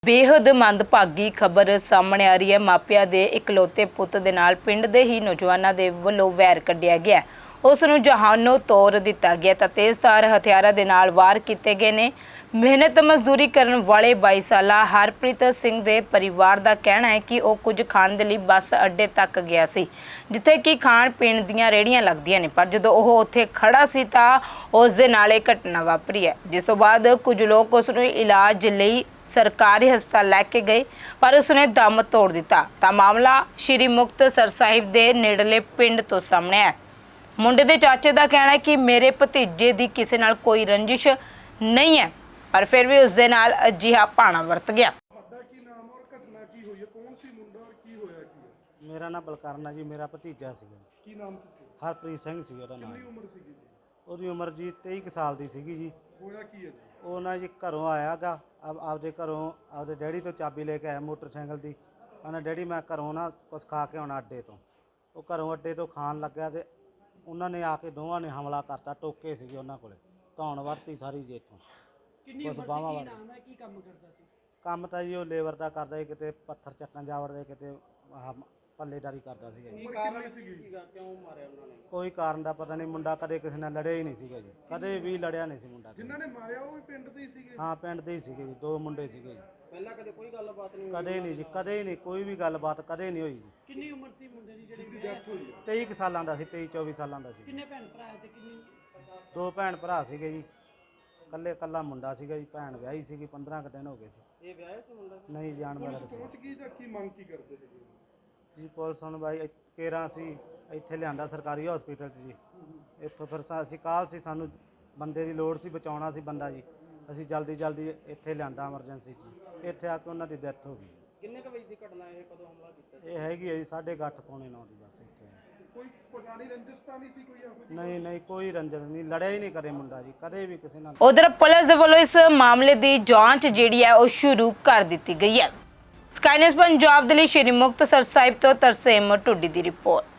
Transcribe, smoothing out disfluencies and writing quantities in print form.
बेहद मंदभागी खबर सामने आ रही है। मापिया दे इकलौते पुत दे नाल पिंड दे ही नौजवानों दे वल्लों वैर कढ़िया गया। उस नूं जहानों तोड़ दिता गया तां तेज़धार हथियारां दे नाल वार कीते गए ने। मेहनत मजदूरी करन वाले 22 साला हरप्रीत सिंह दे परिवार दा कहना है कि वह कुछ खाण दे लई बस अड्डे तक गया सी, जिथे कि खाण पीण दीआं रेहड़ियां लगदियां ने। पर जदों ओह उत्थे खड़ा सी तां उस दे नाल इह घटना वापरी है, जिस तों बाद कुछ लोग उस नूं इलाज लई सरकारी हस्पताल लैके गए पर उसने दम तोड़ दिता। तां मामला श्री मुक्तसर साहिब दे नेड़ले पिंड तो सामने है। मुंडे दे चाचे दा कहना है कि मेरे भतीजे दी किसी नाल कोई रंजिश नहीं है, पर फिर भी उस दे नाल अजिहा भाना वरत गया। मेरा नाम बलकारना जी, मेरा भतीजा सीगा। ਕੀ ਨਾਮ हरप्रीत सिंह ਸੀ ਉਹਦਾ ਨਾਮ। ਕਿੰਨੀ ਉਮਰ ਸੀਗੀ ਜੀ? ਉਹਦੀ ਉਮਰ ਜੀ 23 ਕੁ ਸਾਲ ਦੀ ਸੀਗੀ ਜੀ। ਹੋਇਆ ਕੀ ਹੈ ਜੀ? ਉਹ ਨਾ ਜੀ ਘਰੋਂ ਆਇਆਗਾ, ਆਪਦੇ ਘਰੋਂ ਆਪਦੇ ਡੈਡੀ ਤੋਂ ਚਾਬੀ ਲੈ ਕੇ ਆਇਆ ਮੋਟਰਸਾਈਕਲ ਦੀ। ਉਹਨੇ ਡੈਡੀ ਮੈਂ ਘਰੋਂ ਨਾ ਕੁਛ ਖਾ ਕੇ ਆਉਣਾ ਅੱਡੇ ਤੋਂ। ਉਹ ਘਰੋਂ ਅੱਡੇ ਤੋਂ ਖਾਣ ਲੱਗਿਆ ਤੇ ਉਹਨਾਂ ਨੇ ਆ ਕੇ ਦੋਵਾਂ ਨੇ ਹਮਲਾ ਕਰਤਾ। ਟੋਕੇ ਸੀਗੇ ਉਹਨਾਂ ਕੋਲੇ, ਧੌਣ ਵਰਤੀ ਸਾਰੀ ਜੀ ਇੱਥੋਂ। ਕਿੰਨੀ ਉਮਰ ਸੀ? ਕੀ ਨਾਮ ਹੈ? ਕੀ ਕੰਮ ਕਰਦਾ ਸੀ? ਕੰਮ ਤਾਂ ਜੀ ਉਹ ਲੇਬਰ ਦਾ ਕਰਦਾ ਸੀ, ਕਿਤੇ ਪੱਥਰ ਚੱਕਣ ਜਾ ਵੜਦੇ, ਕਿਤੇ ਆਹ ਪੱਲੇਦਾਰੀ ਕਰਦਾ ਸੀਗਾ ਜੀ। ਕਾਰਨ ਸੀਗਾ ਕਿਉਂ ਮਾਰਿਆ ਉਹਨਾਂ ਨੇ? ਕੋਈ ਕਾਰਨ ਦਾ ਪਤਾ ਨਹੀਂ। ਮੁੰਡਾ ਕਦੇ ਕਿਸੇ ਨਾਲ ਲੜਿਆ ਹੀ ਨਹੀਂ ਸੀਗਾ ਜੀ, ਕਦੇ ਵੀ ਲੜਿਆ ਨਹੀਂ ਸੀ ਮੁੰਡਾ। ਜਿਨ੍ਹਾਂ ਨੇ ਮਾਰਿਆ ਉਹ ਵੀ ਪਿੰਡ ਦੇ ਹੀ ਸੀਗੇ? ਹਾਂ, ਪਿੰਡ ਦੇ ਹੀ ਸੀਗੇ ਜੀ, ਦੋ ਮੁੰਡੇ ਸੀਗੇ ਜੀ। ਪਹਿਲਾਂ ਕਦੇ ਕੋਈ ਗੱਲਬਾਤ ਨਹੀਂ? ਕਦੇ ਨਹੀਂ ਜੀ, ਕਦੇ ਹੀ ਨਹੀਂ, ਕੋਈ ਵੀ ਗੱਲਬਾਤ ਕਦੇ ਨਹੀਂ ਹੋਈ ਜੀ। ਕਿੰਨੀ ਉਮਰ ਸੀ ਮੁੰਡੇ ਦੀ ਜਿਹੜੀ ਡੈਥ ਹੋਈ ਹੈ? 23 ਕੁ ਸਾਲਾਂ ਦਾ ਸੀ, 23-24 ਸਾਲਾਂ ਦਾ ਸੀ। ਕਿੰਨੇ ਭੈਣ ਭਰਾ ਤੇ ਕਿੰਨੀ? ਦੋ ਭੈਣ ਭਰਾ ਸੀਗੇ ਜੀ, ਕੱਲਾ ਮੁੰਡਾ ਸੀਗਾ ਜੀ। ਭੈਣ ਵਿਆਹੀ ਸੀਗੀ, 15 ਕੁ ਦਿਨ ਹੋ ਗਏ ਸੀ। ਇਹ ਵਿਆਹਿਆ ਸੀ ਮੁੰਡਾ? ਨਹੀਂ ਜਾਣ ਵਾਲਾ ਸੀ ਪਹੁੰਚ ਗਈ ਜਾਂ ਕੀ ਮੰਗ ਕੀ ਕਰਦੇ ਸੀਗੇ ਜੀ। ਪੁਲਿਸ ਨੂੰ ਬਾਈ ਕੇਰਾਂ ਸੀ ਇੱਥੇ ਲਿਆਂਦਾ ਸਰਕਾਰੀ ਹਸਪੀਟਲ 'ਚ ਜੀ। ਇੱਥੋਂ ਫਿਰ ਅਸੀਂ ਕਾਲ ਸੀ, ਸਾਨੂੰ ਬੰਦੇ ਦੀ ਲੋੜ ਸੀ, ਬਚਾਉਣਾ ਸੀ ਬੰਦਾ ਜੀ। ਅਸੀਂ ਜਲਦੀ ਇੱਥੇ ਲਿਆਂਦਾ ਐਮਰਜੈਂਸੀ 'ਚ। ਇੱਥੇ ਆ ਕੇ ਉਹਨਾਂ ਦੀ ਡੈਥ ਹੋ ਗਈ। ਕਿੰਨੇ ਕੁ ਵਜੇ ਦੀ ਘਟਨਾ ਇਹ? ਕਦੋਂ ਹਮਲਾ ਕੀਤਾ? ਇਹ ਹੈਗੀ ਹੈ ਜੀ 8:30 ਪੌਣੇ 9 ਦੀ ਬਸ ਇੱਥੇ। ਕੋਈ ਪੁਰਾਣੀ ਰੰਜਿਸ਼ ਤਾਂ ਨਹੀਂ ਸੀ ਕੋਈ ਇਹੋ ਜਿਹੀ? ਨਹੀਂ, ਕੋਈ ਰੰਜਨ ਨਹੀਂ, ਲੜਿਆ ਹੀ ਨਹੀਂ ਕਦੇ ਮੁੰਡਾ ਜੀ, ਕਦੇ ਵੀ ਕਿਸੇ ਨਾਲ। उधर पुलिस दे वल्लों इस मामले की जांच जिहड़ी है वह शुरू कर दी गई है। स्काई न्यूज़ पंजाब दे लई श्री मुक्तसर साहिब तो तरसेम टुड्डी दी रिपोर्ट।